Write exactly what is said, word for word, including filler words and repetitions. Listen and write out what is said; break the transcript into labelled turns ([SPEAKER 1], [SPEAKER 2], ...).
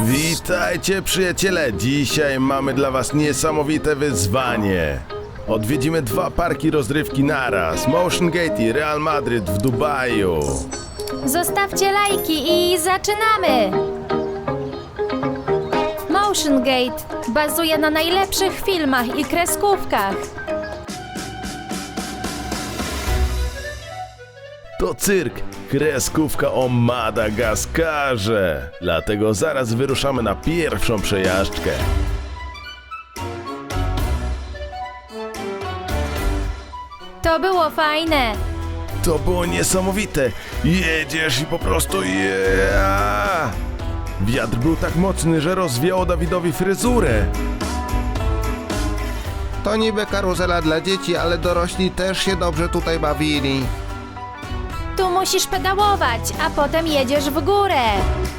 [SPEAKER 1] Witajcie przyjaciele, dzisiaj mamy dla was niesamowite wyzwanie. Odwiedzimy dwa parki rozrywki naraz, Motion Gate i Real Madrid w Dubaju.
[SPEAKER 2] Zostawcie lajki i zaczynamy! Motion Gate bazuje na najlepszych filmach i kreskówkach.
[SPEAKER 1] To cyrk, kreskówka o Madagaskarze. Dlatego zaraz wyruszamy na pierwszą przejażdżkę.
[SPEAKER 2] To było fajne.
[SPEAKER 1] To było niesamowite. Jedziesz i po prostu yeah! Wiatr był tak mocny, że rozwiało Dawidowi fryzurę.
[SPEAKER 3] To niby karuzela dla dzieci, ale dorośli też się dobrze tutaj bawili.
[SPEAKER 2] Tu musisz pedałować, a potem jedziesz w górę.